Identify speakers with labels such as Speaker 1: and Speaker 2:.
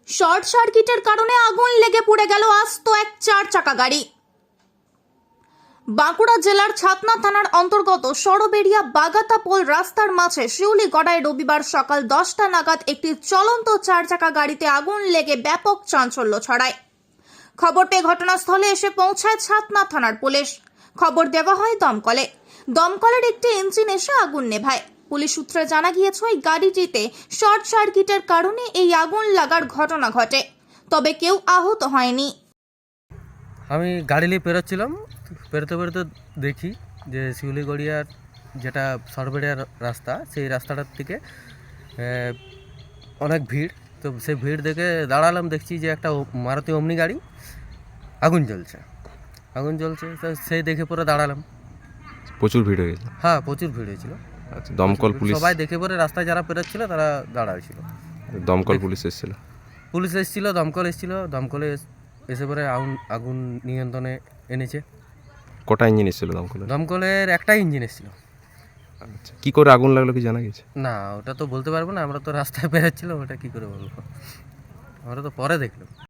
Speaker 1: Short সার্কিটের কারণে আগুন লেগে পুড়ে গেল আস্ত এক 4 চাকা গাড়ি। বাঁকুড়া জেলার ছাতনা থানার অন্তর্গত সরবেরিয়া বাগাতা পোল রাস্তার মাঝে শিউলি গড়ায় রবিবার সকাল 10টা নাগাদ একটি চলন্ত 4 চাকা গাড়িতে আগুন লেগে ব্যাপক চাঞ্চল্য ছড়ায়। খবর পেয়ে ঘটনাস্থলে এসে পৌঁছায় ছাতনা থানার পুলিশ। খবর দেওয়া হয় দমকলের একটি ইঞ্জিন এসে আগুন নেভায়। পুলিশ সূত্রে জানা গিয়েছে ওই গাড়িটিতে শর্ট সার্কিটের কারণে এই আগুন লাগার ঘটনা ঘটে, তবে কেউ আহত হয়নি।
Speaker 2: আমি গাড়ি নিয়ে পেরোচ্ছিলাম, পেরোতে দেখি যে শিউলিগড়িয়ার যেটা সরবেরিয়ার রাস্তা, সেই রাস্তাটার থেকে অনেক ভিড়। তো সেই ভিড় দেখে দাঁড়ালাম, দেখছি যে একটা মারুতি ওমনি গাড়ি আগুন জ্বলছে। তো সেই দেখে পরে দাঁড়ালাম।
Speaker 3: প্রচুর ভিড় হয়ে গেছে।
Speaker 2: হ্যাঁ, প্রচুর ভিড় হয়েছিল।
Speaker 3: আচ্ছা, দমকল পুলিশ
Speaker 2: সবাই দেখে পরে রাস্তায় যারা পেরোচ্ছিল তারা দাঁড়াইছিল।
Speaker 3: দমকল পুলিশ এসেছিল।
Speaker 2: দমকল এসেছিল। দমকলে এসে পরে আগুন নিয়ন্ত্রণে এনেছে।
Speaker 3: কটা ইঞ্জিন এসেছিল
Speaker 2: দমকলের একটাই ইঞ্জিন এসেছিল।
Speaker 3: আচ্ছা, কি করে আগুন লাগলো কি জানা গেছে?
Speaker 2: না, ওটা তো বলতে পারবো না, আমরা তো রাস্তায় বেরোচ্ছিলাম, ওটা কি করে বলবো, আমরা তো পরে দেখলাম।